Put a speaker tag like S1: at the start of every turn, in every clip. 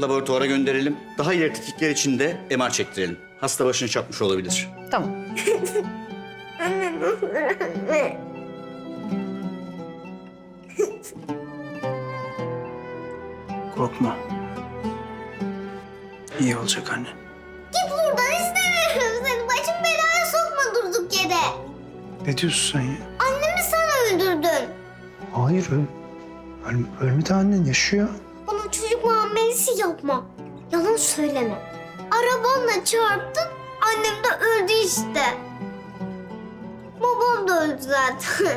S1: laboratuvara gönderelim. Daha ileri tetkikler için de MR çektirelim. Hasta başını çarpmış olabilir.
S2: Tamam.
S3: Anne ne olur anne.
S4: Korkma. İyi olacak anne.
S3: Git buradan istemiyorum seni. Başım belaya sokma durduk yere.
S4: Ne diyorsun sen ya?
S3: Annemi sen öldürdün.
S4: Hayır ölmedi annen yaşıyor.
S3: Bana çocuk muamelesi yapma. Yalan söyleme. Arabanla çarptın, annem de öldü işte. Babam da öldü zaten.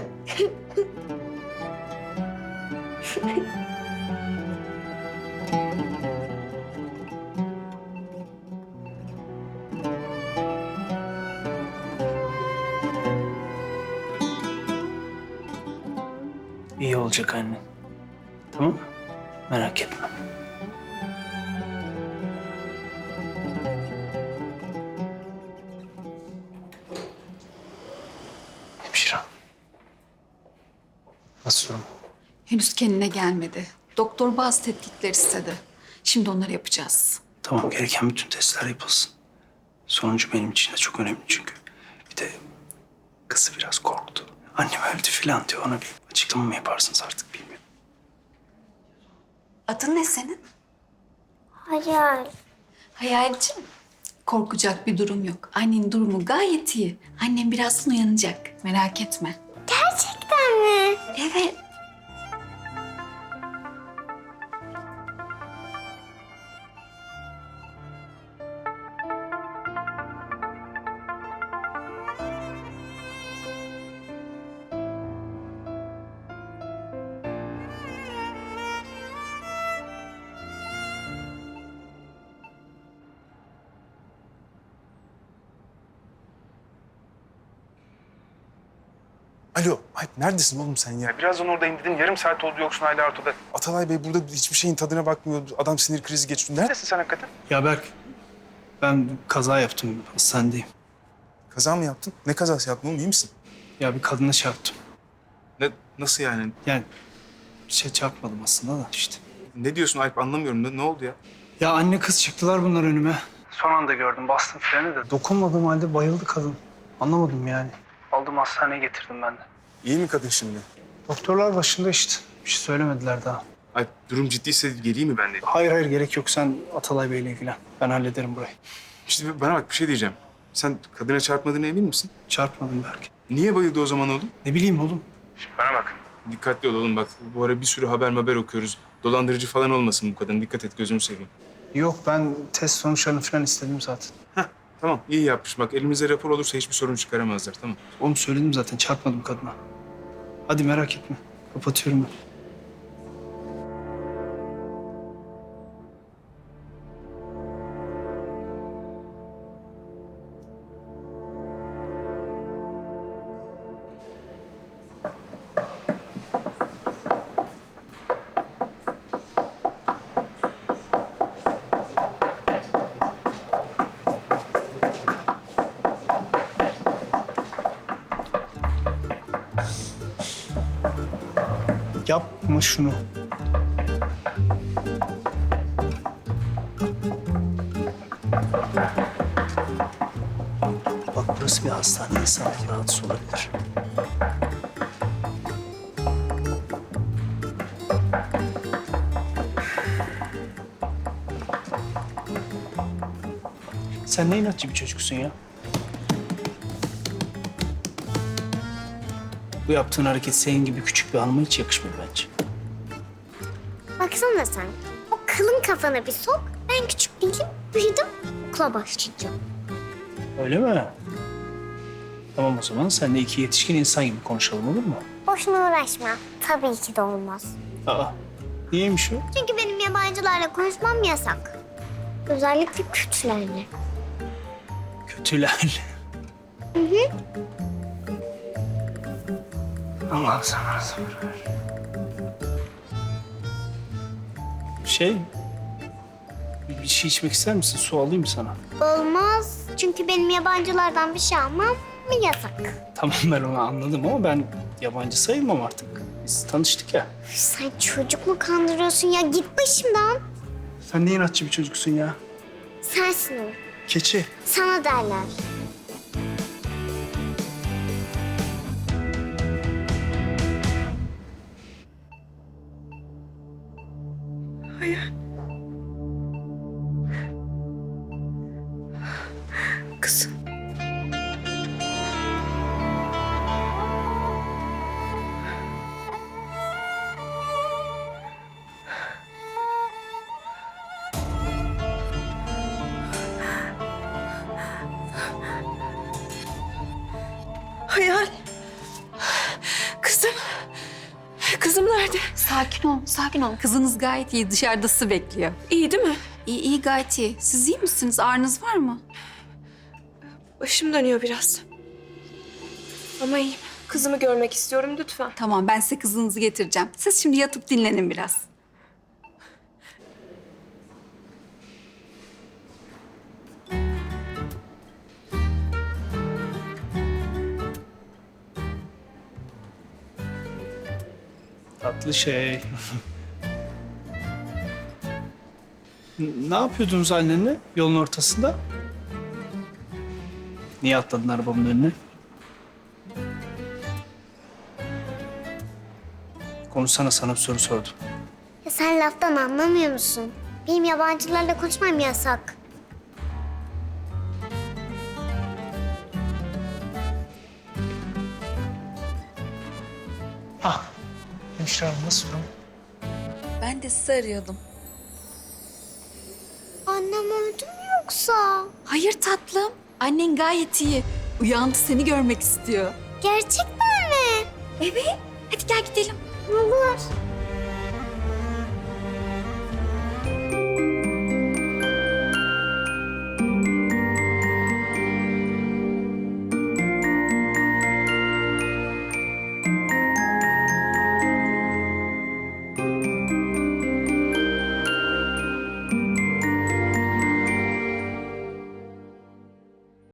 S4: İyi olacak anne. Tamam mı? Merak etme. Hemşire. Nasıl durum?
S2: Henüz kendine gelmedi. Doktor bazı tetkikler istedi. Şimdi onları yapacağız.
S4: Tamam, gereken bütün testler yapılsın. Sonucu benim için de çok önemli çünkü. Bir de kızı biraz korktu. Annem öldü falan diyor. Ona bir açıklama mı yaparsınız artık bilmiyorum.
S2: Adın ne senin?
S3: Hayal.
S2: Hayalciğim. Korkacak bir durum yok. Annenin durumu gayet iyi. Annem birazdan uyanacak. Merak etme.
S3: Gerçekten mi?
S2: Evet.
S5: Alo, Alp neredesin oğlum sen ya?
S6: Birazdan oradayım dedim. Yarım saat oldu yoksun hala ortada.
S5: Atalay Bey burada hiçbir şeyin tadına bakmıyor. Adam sinir krizi geçiriyor. Nerede?
S6: Neredesin sen hakikaten?
S4: Ya Berk, ben kaza yaptım. Hastanedeyim.
S5: Kaza mı yaptın? Ne kazası yaptın oğlum? İyi misin?
S4: Ya bir kadına çarptım.
S5: Nasıl yani?
S4: Yani çarpmadım aslında da işte.
S5: Ne diyorsun Alp anlamıyorum. Ne oldu ya?
S4: Ya anne kız çıktılar bunlar önüme. Son anda gördüm, bastım freni de. Dokunmadığım halde bayıldı kadın. Anlamadım yani. Aldım hastaneye getirdim ben de.
S5: İyi mi kadın şimdi?
S4: Doktorlar başında işte. Bir şey söylemediler daha.
S5: Alp durum ciddiyse geleyim mi ben de?
S4: Hayır gerek yok. Sen Atalay Bey'le ilgilen. Ben hallederim burayı.
S5: İşte bana bak bir şey diyeceğim. Sen kadına çarpmadığına emin misin?
S4: Çarpmadım Berk.
S5: Niye bayıldı o zaman oğlum?
S4: Ne bileyim oğlum.
S5: Bana bak. Dikkatli ol oğlum bak. Bu ara bir sürü haber okuyoruz. Dolandırıcı falan olmasın bu kadın. Dikkat et gözümü seveyim.
S4: Yok ben test sonuçlarını falan istedim zaten.
S5: Heh tamam iyi yapmış. Bak elimizde rapor olursa hiçbir sorun çıkaramazlar tamam.
S4: Oğlum söyledim zaten çarpmadım kadına. Hadi merak etme. Kapatıyorum ben. Yapma şunu. Bak burası bir hastane. İnsanlar rahatsız olabilir. Sen ne inatçı bir çocuksun ya? Bu yaptığın hareket senin gibi küçük bir hanıma hiç yakışmıyor bence.
S3: Baksana sen. O kılın kafana bir sok. Ben küçük değilim. Büyüdüm. Okula başlayacağım.
S4: Öyle mi? Tamam o zaman sen de iki yetişkin insan gibi konuşalım olur mu?
S3: Boşuna uğraşma. Tabii ki de olmaz.
S4: Aa, niyeymiş o?
S3: Çünkü benim yabancılarla konuşmam yasak. Özellikle kötülerle.
S4: Kötüler. Allah sana sabır ver. Bir şey içmek ister misin? Su alayım mı sana?
S3: Olmaz. Çünkü benim yabancılardan bir şey almam mı yasak?
S4: Tamam ben onu anladım ama ben yabancı sayılmam artık. Biz tanıştık ya.
S3: Sen çocuk mu kandırıyorsun ya? Git başımdan.
S4: Sen ne inatçı bir çocuksun ya.
S3: Sensin o.
S4: Keçi.
S3: Sana derler.
S7: Kızım. Hayal. Kızım. Kızım nerede?
S2: Sakin ol, sakin ol. Kızınız gayet iyi. Dışarıda sizi bekliyor.
S7: İyi değil mi?
S2: İyi, iyi gayet iyi. Siz iyi misiniz? Ağrınız var mı?
S7: Başım dönüyor biraz. Ama iyiyim. Kızımı görmek istiyorum lütfen.
S2: Tamam, ben size kızınızı getireceğim. Siz şimdi yatıp dinlenin biraz.
S4: Tatlı şey. Ne yapıyordunuz annenle yolun ortasında? Niye atladın arabamın önüne? Konuşsana, sana bir soru sordum.
S3: Ya sen laftan anlamıyor musun? Benim yabancılarla konuşmam yasak.
S4: Ah, Hemşire Hanım nasıl durum?
S7: Ben de sizi arıyordum.
S3: Annem öldü mü yoksa?
S2: Hayır tatlım. Annen gayet iyi. Uyandı, seni görmek istiyor.
S3: Gerçekten mi?
S2: Evet. Hadi gel gidelim.
S3: Olur.